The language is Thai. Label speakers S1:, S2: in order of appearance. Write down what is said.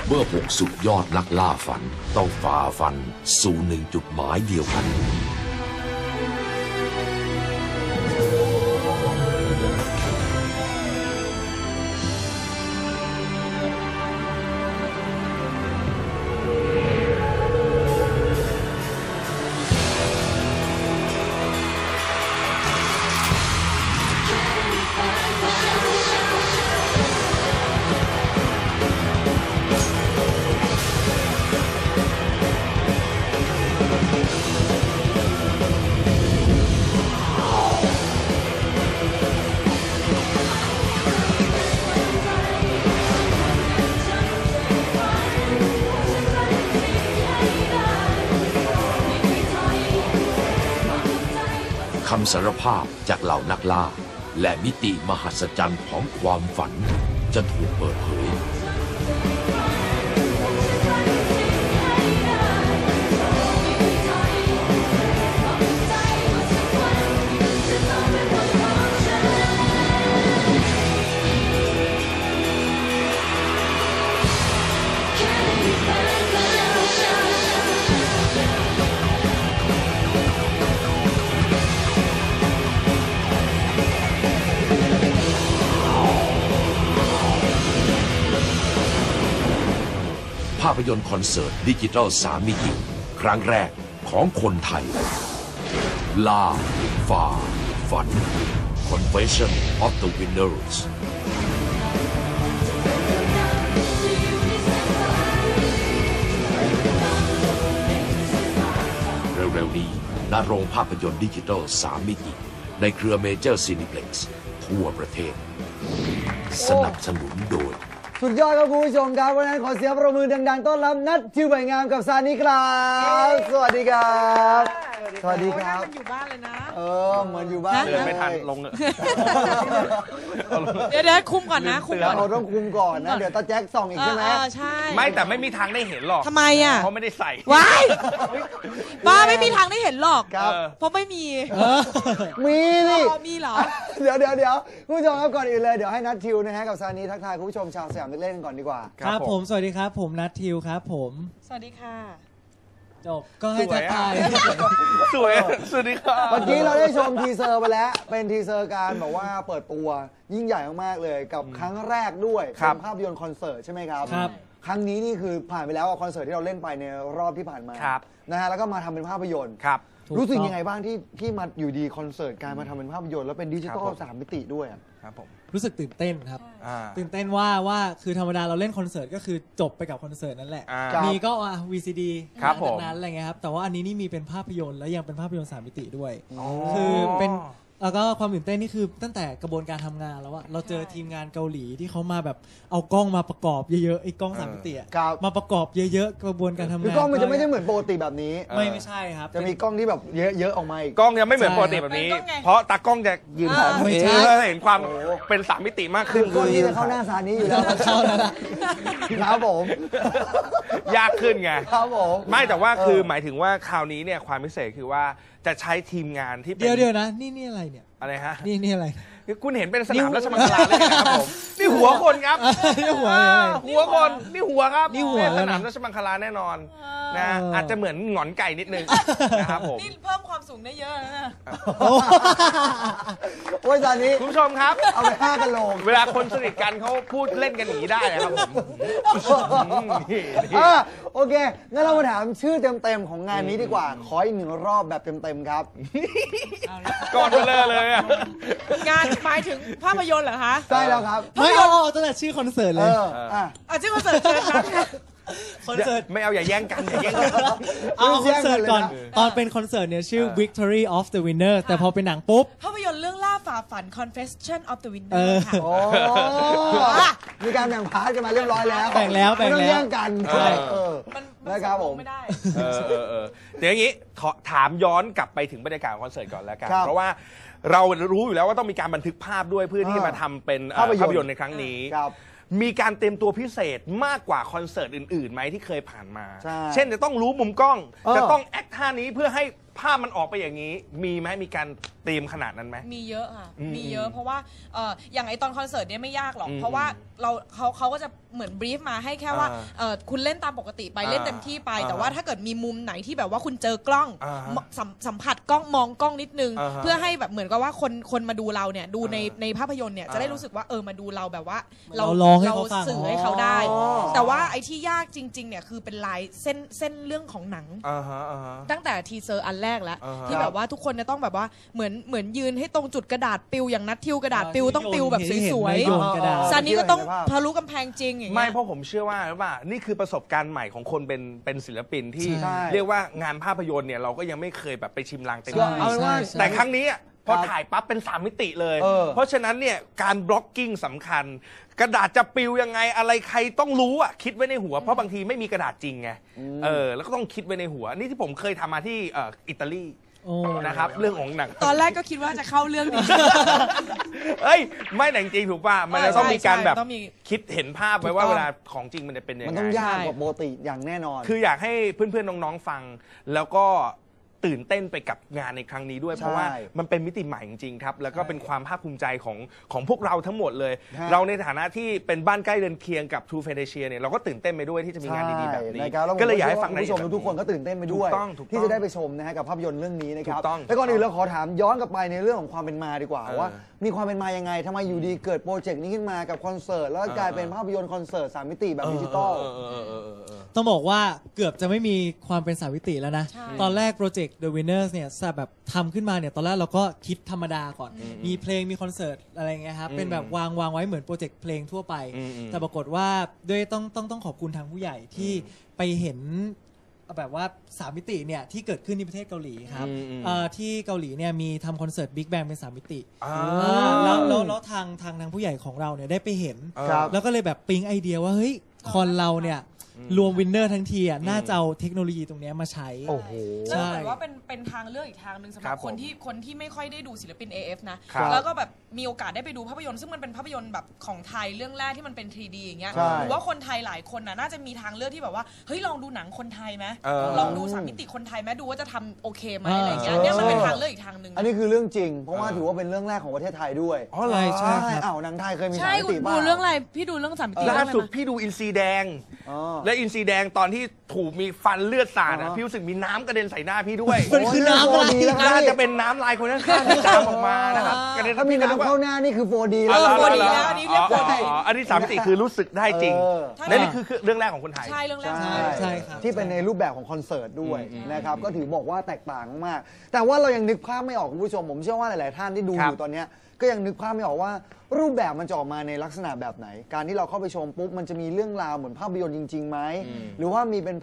S1: เมื่อ6สุดยอดนักล่าฝันต้องฝ่าฟันสู่1จุดหมายเดียวกันคำสารภาพจากเหล่านักล่าและมิติมหัศจรรย์ของความฝันจะถูกเปิดเผยภาพยนตร์คอนเสิร์ตดิจิทัล3 มิติครั้งแรกของคนไทยล่าฝ่าฝัน Confession of the Winners เร็วๆนี้ณโรงภาพยนตร์ดิจิทัล3 มิติในเครือเมเจอร์ซีนิเพล็กซ์ทั่วประเทศสนับสนุนโดย
S2: สุดยอดครับคุณผู้ชมครับวันนั้นขอเสียงประมือดังๆต้อนรับนัททิวใบงามกับซานิครับสวัสดีครับสวัสดีครับ
S3: มันอยู่บ้านเลยนะ
S2: เหมือนอยู่บ้าน
S4: เดินไม่ทันลง
S3: เดี๋ยวคุมก่อนนะคุมก่อน
S2: เราต้องคุมก่อนนะเดี๋ยวตาแจ็คส่องอีกใช่ไหม
S3: ใช่
S4: ไม่แต่ไม่มีทางได้เห็นหรอก
S3: ทำไมอ่ะ
S4: เพราะไม่ได้ใส่
S3: ว้ายบ้าไม่มีทางได้เห็นหรอกเพราะไม่มี
S2: มีนี่
S3: มีเหรอ
S2: เดี๋ยวคุณผู้ชมครับก่อนอื่นเลยเดี๋ยวให้นัททิวนะฮะกับซานิทักทายคุณผู้ชมชาวสยามเล่นก่อนดีกว่า
S5: ครับผมสวัสดีครับผมนัททิวครับผม
S3: สวัสดีค่ะ
S5: จบก็ให้ทักทาย
S4: สวยสวัสดีครับ
S2: เมื่อกี้เราได้ชมทีเซอร์ไปแล้วเป็นทีเซอร์การบอกว่าเปิดตัวยิ่งใหญ่มากๆเลยกับครั้งแรกด้วยเป็นภาพยนตร์คอนเสิร์ตใช่ไหมครับครั้งนี้นี่คือผ่านไปแล้วคอนเสิร์ตที่เราเล่นไปในรอบที่ผ่านมานะฮะแล้วก็มาทำเป็นภาพยนตร์รู้สึกยังไงบ้างที่มาอยู่ดีคอนเสิร์ตการมาทำเป็นภาพยนตร์แล้วเป็นดิจิทัล3 มิติด้วย
S5: ครับผมรู้สึกตื่นเต้นครับตื่นเต้นว่าคือธรรมดาเราเล่นคอนเสิร์ตก็คือจบไปกับคอนเสิร์ตนั่นแหละมีก็VCD จากนั้นอะไรเงี้ยครับแต่ว่าอันนี้นี่มีเป็นภาพยนตร์แล้วยังเป็นภาพยนตร์3 มิติด้วยคือเป็นแล้วก็ความตื่นเต้นนี่คือตั้งแต่กระบวนการทำงานแล้วว่าเราเจอทีมงานเกาหลีที่เขามาแบบเอากล้องมาประกอบเยอะๆไอ้กล้อง3 มิติมาประกอบเยอะๆกระบวนการทำงาน
S2: กล้องมันจะไม่ได้เหมือนปกติแบบนี้
S5: ไม่ใช่ครับ
S2: จะมีกล้องที่แบบเยอะๆออกมาอีก
S4: กล้องยังไม่เหมือนปกติแบบนี้เพราะตากล้องจะยืนถ่ายไม่ใช่เห็นความเป็น3 มิติมากขึ้น
S2: กล้องที่จะเข้าหน้าซานี้อยู่แล้ว
S5: เข้าแล้ว
S2: ครับผม
S4: ยากขึ้นไง
S2: ครับผม
S4: ไม่แต่ว่าคือหมายถึงว่าคราวนี้เนี่ยความพิเศษคือว่าจะใช้ทีมงานที่
S5: เดี๋ยวนะนี่อะไรเนี่ย
S4: อะไรฮะ
S5: นี่อะไร
S4: คุณเห็นเป็นสนามราชมังคลาเลยครับผมนี่หัวคนครับ
S5: นี่หั
S4: วคนนี่หัวครับ
S5: นี่หัว
S4: สนามราชมังคลาแน่นอนนะอาจจะเหมือนหงอนไก่นิดนึงนะครับผม
S3: นี่เพิ่มความสูงได้เยอะนะ
S2: โอ้ยตอนนี้
S4: คุณผู้ชมครับ
S2: เอาไป5 กันโล
S4: เวลาคนสนิทกันเขาพูดเล่นกันอย่างนี้ได้นะครับผม
S2: โอเคงั้นเรามาถามชื่อเต็มๆของงานนี้ดีกว่าขออีก1 รอบแบบเต็มๆครับ
S4: ก่อนเลย
S3: งานหมายถึงภาพยนตร์เหรอคะ
S2: ใช่แล้วครับ
S5: ไม่เอาตั้งแต่ชื่อคอนเสิร์ตเลย
S3: ชื่อคอนเสิร์ตเชิญครับ
S5: คอนเสิร์ต
S4: ไม่เอาอย่าแย่งกัน
S5: เอาคอนเสิร์ตก่อนตอนเป็นคอนเสิร์ตเนี่ยชื่อ Victory of the Winner แต่พอเป็นหนังปุ๊บ
S3: ภาพยนตร์เรื่องล่าฝ่าฝัน Confession of the Winner ค่ะ
S2: มีการแบ่งพาร์ทกันมาเรียบร้อยแล้ว
S5: แบ่งแล้ว
S2: ไม่ต้องแย่งกันนะครับผม
S3: ไม่ได้
S4: เดี๋ยวอย่างนี้ถามย้อนกลับไปถึงบรรยากาศคอนเสิร์ตก่อนแล้วกันเพราะว่าเรารู้อยู่แล้วว่าต้องมีการบันทึกภาพด้วยเพื่อที่มาทำเป็นภาพยนตร์ในครั้งนี้มีการเตรียมตัวพิเศษมากกว่าคอนเสิร์ตอื่นๆไหมที่เคยผ่านมาเช่นจะต้องรู้มุมกล้องจะต้องแอคท่านี้เพื่อให้ภาพมันออกไปอย่างนี้มีไหมมีการเตรียมขนาดนั้นไหม
S3: มีเยอะค่ะมีเยอะเพราะว่าอย่างไอตอนคอนเสิร์ตเนี้ยไม่ยากหรอกเพราะว่าเขาก็จะเหมือนบรีฟมาให้แค่ว่าคุณเล่นตามปกติไปเล่นเต็มที่ไปแต่ว่าถ้าเกิดมีมุมไหนที่แบบว่าคุณเจอกล้องสัมผัสกล้องมองกล้องนิดนึงเพื่อให้แบบเหมือนกับว่าคนมาดูเราเนี่ยดูในภาพยนตร์เนี่ยจะได้รู้สึกว่ามาดูเราแบบว่าเราสื่อให้เขาได้แต่ว่าไอ้ที่ยากจริงๆเนี่ยคือเป็นลายเส้นเรื่องของหนังตั้งแต่ทีเซอร์อันแรกแล้วที่แบบว่าทุกคนจะต้องแบบว่าเหมือนยืนให้ตรงจุดกระดาษปิวอย่างนัดทิวกระดาษปิวต้องปิวแบบสวยๆซานี้ก็ต้องทะลุกำแพงจริงอย่างเงี้ย
S4: ไม่เพราะผมเชื่อว่านี่คือประสบการณ์ใหม่ของคนเป็นศิลปินที่เรียกว่างานภาพยนตร์เนี่ยเราก็ยังไม่เคยแบบไปชิมลางเต็มที่แต่ครั้งนี้พอถ่ายปั๊บเป็น3มิติเลยเพราะฉะนั้นเนี่ยการบล็อกกิ้งสำคัญกระดาษจะปิวยังไงอะไรใครต้องรู้คิดไว้ในหัวเพราะบางทีไม่มีกระดาษจริงไงแล้วก็ต้องคิดไว้ในหัวนี่ที่ผมเคยทำมาที่อิตาลีนะครับเรื่องของหนัง
S3: ตอนแรกก็คิดว่าจะเข้าเรื่องนี้
S4: ไม่หนังจริงถูกป่ะมันจะต้องมีการแบบคิดเห็นภาพไว้ว่าเวลาของจริงมันจะเป็นยังไง
S2: มันต้องยากกว่าปกติอย่างแน่นอน
S4: คืออยากให้เพื่อนๆน้องๆฟังแล้วก็ตื่นเต้นไปกับงานในครั้งนี้ด้วยเพราะว่ามันเป็นมิติใหม่จริงๆครับแล้วก็เป็นความภาคภูมิใจของพวกเราทั้งหมดเลยเราในฐานะที่เป็นบ้านใกล้เรือนเคียงกับ True Fantasia เนี่ยเราก็ตื่นเต้นไปด้วยที่จะมีงานดีๆแบบนี้ก็เลยอยากให้ฟัง
S2: ผู้ชมทุกคนก็ตื่นเต้นไปด้วยที่จะได้ไปชมนะฮะกับภาพยนตร์เรื่องนี้นะครับแล้วก่อนอื่นเราขอถามย้อนกลับไปในเรื่องของความเป็นมาดีกว่าว่ามีความเป็นมายังไงทำไมอยู่ดีเกิดโปรเจกต์นี้ขึ้นมากับคอนเสิร์ตแล้วกลายเป็นภาพยนตร์คอนเสิร์ต3มิติแบบดิจิตอล
S5: ต้องบอกว่าเกือบจะไม่มีความเป็น3มิติแล้วนะตอนแรกโปรเจกต์ The Winners เนี่ยแบบทำขึ้นมาเนี่ยตอนแรกเราก็คิดธรรมดาก่อนมีเพลงมีคอนเสิร์ตอะไรเงี้ยครับเป็นแบบวางไว้เหมือนโปรเจกต์เพลงทั่วไปแต่ปรากฏว่าด้วยต้องขอบคุณทางผู้ใหญ่ที่ไปเห็นแบบว่า3มิติเนี่ยที่เกิดขึ้นที่ประเทศเกาหลีครับที่เกาหลีเนี่ยมีทำคอนเสิร์ตบิ๊กแบงเป็น3มิติแล้วทางผู้ใหญ่ของเราเนี่ยได้ไปเห็นแล้วก็เลยแบบปิ๊งไอเดียว่าเฮ้ยคอนเราเนี่ยรวมวินเนอร์ทั้งทีน่าจะเอาเทคโนโลยีตรงนี้มาใช้
S3: ใช่ว่าเป็นทางเลือกอีกทางหนึ่งสำหรับคนที่ไม่ค่อยได้ดูศิลปิน AF นะแล้วก็แบบมีโอกาสได้ไปดูภาพยนตร์ซึ่งมันเป็นภาพยนตร์แบบของไทยเรื่องแรกที่มันเป็น 3D อย่างเงี้ยหรือว่าคนไทยหลายคนน่าจะมีทางเลือกที่แบบว่าเฮ้ยลองดูหนังคนไทยไหมลองดู3มิติคนไทยไหมดูว่าจะทำโอเคไหมอะไรเงี้ยเนี่ยมันเป็นทางเลือกอีกทางหนึ่ง
S2: อันนี้คือเรื่องจริงเพราะว่าถือว่าเป็นเรื่องแรกของประเทศไทยด้วย
S5: ใช่
S2: หนังไทยเคยมี3มิติ
S3: บ้างดูเรื่องอะไรพี่ดูเรื่อง3มิติ
S4: ล่าสุดพี่ดูอินซีแดงและอินซีแดงตอนที่ถูกมีฟันเลือดสาดพี่รู้สึกมีน้ำกระเด็นใส่หน้าพี่ด้วย
S5: มันคือน้ำอะไร
S4: น่าจะเป็นน้ำลายคนข้างๆที่ตามออกมานะครับ
S2: ถ้ามีน้ำเข้าหน้านี่คือ 4D
S3: แล้ว 4D แล้วอันนี้เรียก 4D
S4: อันนี้3มิติคือรู้สึกได้จริงและนี่คือเรื่องแรกของคนไทย
S3: ใช่เรื่องแรก
S5: ใช่ครับ
S2: ที่เป็นในรูปแบบของคอนเสิร์ตด้วยนะครับก็ถือบอกว่าแตกต่างมากแต่ว่าเรายังนึกภาพไม่ออกคุณผู้ชมผมเชื่อว่าหลายๆท่านที่ดูอยู่ตอนนี้ก็ยังนึกภาพไม่ออกว่ารูปแบบมันจะออกมาในลักษณะแบบไหนการที่เราเข้าไปชมปุ๊บมันจะมีเรื่องราวเหมือนภาพยนตร์จริงๆไหมหรือว่ามีเป็น